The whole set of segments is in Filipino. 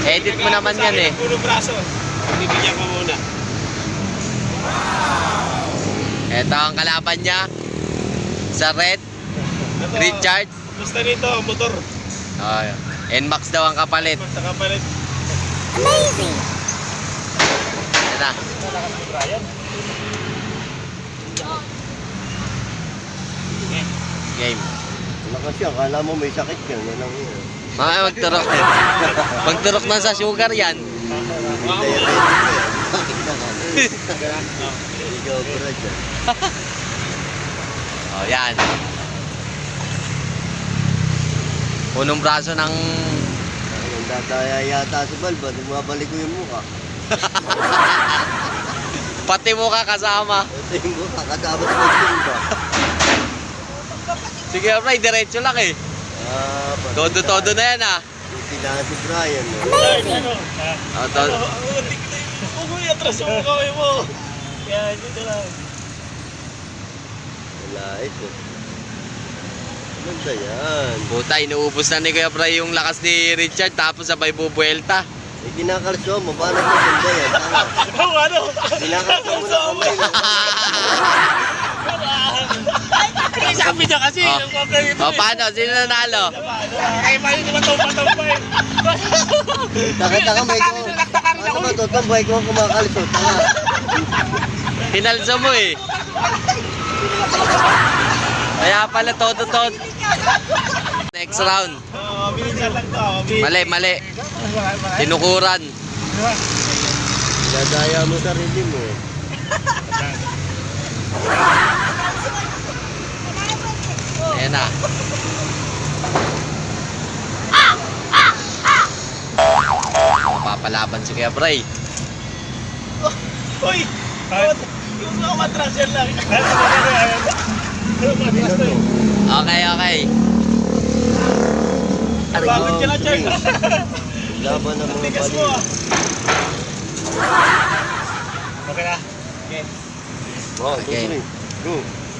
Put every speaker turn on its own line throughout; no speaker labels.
Edit mo naman yan eh.
Puro braso. Bibigyan ko muna.
Ito ang kalaban niya. Sa red. Richard.
Basta nito, motor.
Oh, NMAX daw ang kapalit.
Basta kapalit.
Amazing!
Yan na. Game.
Lakas siya, kala mo may sakit yan. Yan ang yun.
Magturok. Magturok na sa sugar yan. Oh, yan. Punong braso ng...
Ang dadaya yata si Balba, bumabalik ko yung mukha.
Pati mo ka kasama.
Ito yung mukha, kasama sa magsimba.
Sige, Bray, diretso lang eh. Todo-todo na yan ah.
Yung sila si Brian.
Ano?
Oh, todo.
Huwag mo i-atras yung kamay mo. Yan, dito lang.
Wala ito. Maganda yan.
Puta, inuubos na ni Kuya Bray yung lakas ni Richard tapos sabay bubuelta.
Eh, kinakalso mo, paano maganda yan?
Oh, ano?
Kinakalso mo na kamay.
Eh, sabi niya kasi.
Oh, paano? Sino nanalo?
Ay, paano naman tumpa-tumpa eh.
Takita kamay ko. Ano ba ito? Tambay ko kumakalso. Tanga.
Hinalso mo eh. Kaya pala todo-todo. Next round.
Bilisan lang to.
Mali, mali. Tinukuran.
Dadaya mo sarili mo.
Ayan na. Papalaban si Kuya Bray.
Uy! Yung mga matras yan lang.
Okay, okay.
Bakit ka na, Chard?
Laban ng mga
Tigas mo ah. Okay na. Okay.
Wow,
Okay.
okay. Go.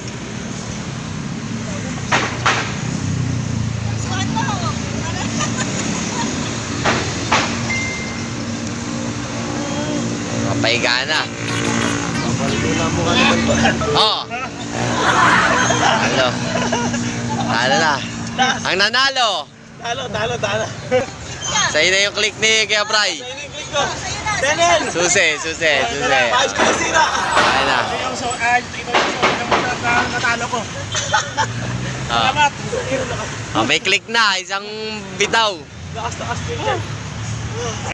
Mapahiga na.
Papalula mo ka naman ba?
Oh. Talo. Talo na. Ang nanalo.
Talo.
Sa'yo na yung click ni Kuya Bray.
Click ko. Daniel!
Susi.
Ayos ko na sira.
Ayan na.
Natalo ko.
Oh.
Salamat.
Oh, may click na. Isang bitaw.
Lakas din dyan.